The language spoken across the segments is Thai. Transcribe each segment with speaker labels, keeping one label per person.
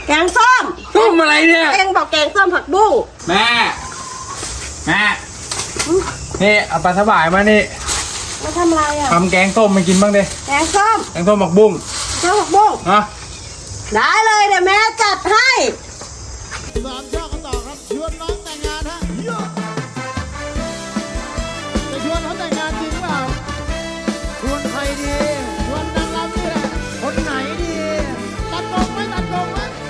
Speaker 1: แกงส้ม
Speaker 2: อะไรเนี่ย
Speaker 1: เอ็งบอกแกงส้มผักบุ้ง
Speaker 2: แม่นี่เอาปลาสบายมานี่
Speaker 1: มาทำอะไรอ่ะ
Speaker 2: ทำแกงส้มมากินบ้างดิ
Speaker 1: แกงส้ม
Speaker 2: ผักบุ้ง
Speaker 1: ผักบุ้ง
Speaker 2: นะ
Speaker 1: ได้เลยเดี๋ยวแม่จัดให้
Speaker 3: 3 ช่อกันต่อครับชวนน้องแต่งงานฮะจะชวนเขาแต่งงานจริงเปล่าชวนใครดีชวนนางรำนี่แหละคนไหนดีตัดตรงไหมทำไม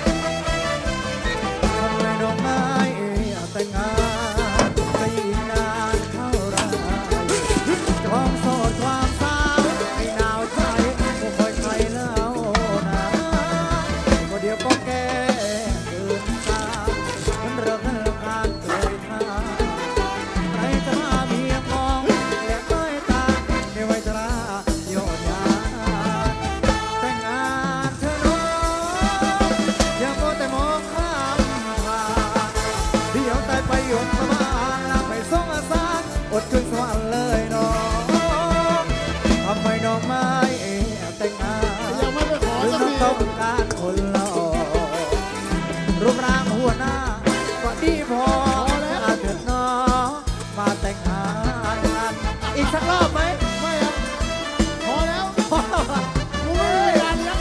Speaker 3: ดอกไม้แต่งงานไปอีกนานเท่าไรความโสดความสาวให้หนาวใจก็คอยใครแล้วนะก็เดี๋ยวก็แก่เกินตามันเริ่มการเกิดมาใครจะมาเมียมองและก้อยตาในวัยชราโยนยาแต่งงานเธอน้องอย่าโมแต่มองข้ามผ่านเดี๋ยวตายไปยนประมาณลาไปส่งอาสาอดขึ้นสวรรค์เลยน้องทำไมน้องไม่แต่งงานยังไม่ไปขอสักทีต้องการคนหล่อรูปร่างหัวหน้าก็ดีพอแล้วเถิดน้องมาแต่งงานกันอีกสักรอบไหมไม่ครับพอแล้วพอแล้วกูไม่ได้งานยังไง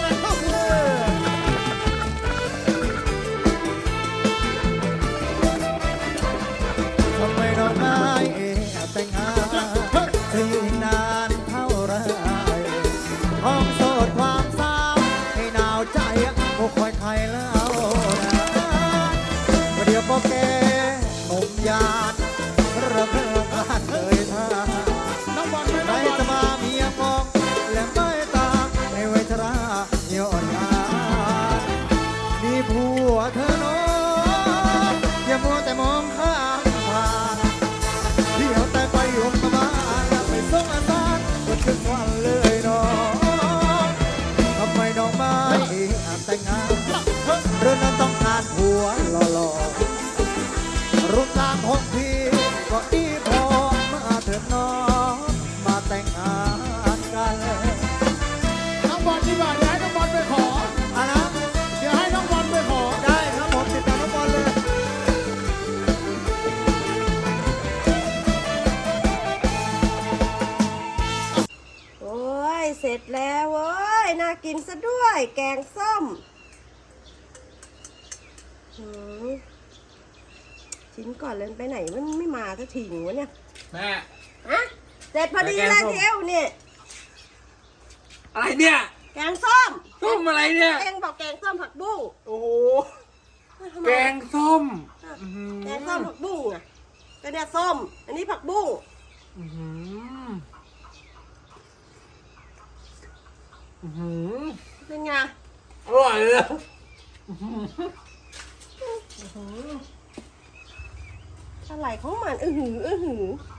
Speaker 3: ทำไมน้องไม่แต่งงานจะอยู่อีกนานเท่าไรท้องโสดความสาวให้หนาวใจก็คอยใครแล้วนะประเดี๋ยวก็แก่หนุ่มยานเริ่มการเลยท่าใครจะมาเมียมองและไม่ตาในวัยชราย้อนยานมีผัวเธอน้องอย่ามัวแต่มองข้ามผ่านเดี๋ยวแต่ไปยมมาบ้านแล้วไปส่งอาสาก็ถึงวันเลยน้องทำไมน้องไม่แต่งงานเรื่องนั้นต้องการผัวหล่อๆรูปร่างของพี่ก็ดีพอมาเถิดน้องมาแต่งงานกันน้องบอลดีกว่าเดี๋ยวให้น้องบอลไปขออ่ะนะเดี๋ยวให้น้องบอลไปขอได้ครับผมติดต่อน้องบอลเลย
Speaker 1: โอ้ยเสร็จแล้วเว้ยน่ากินซะด้วยแกงส้มชิ้นก่อนเลยไปไหนมันไม่มาสักทีวะเนี่ย
Speaker 2: แม่
Speaker 1: ฮะเสร็จพอดีเลยเทียวนี่
Speaker 2: อะไรเนี่ย
Speaker 1: แกงส้ม
Speaker 2: อะไรเนี่ย
Speaker 1: เอ็งบอกแกงส้มผักบุ้ง
Speaker 2: โอ้โหแกงส้ม
Speaker 1: แกงส้มผักบุ้งอ่ะก็เนี่ยส้มอันนี้ผักบุ้งเป็นไง
Speaker 2: อร่อยเลย
Speaker 1: อะไรของมันหือ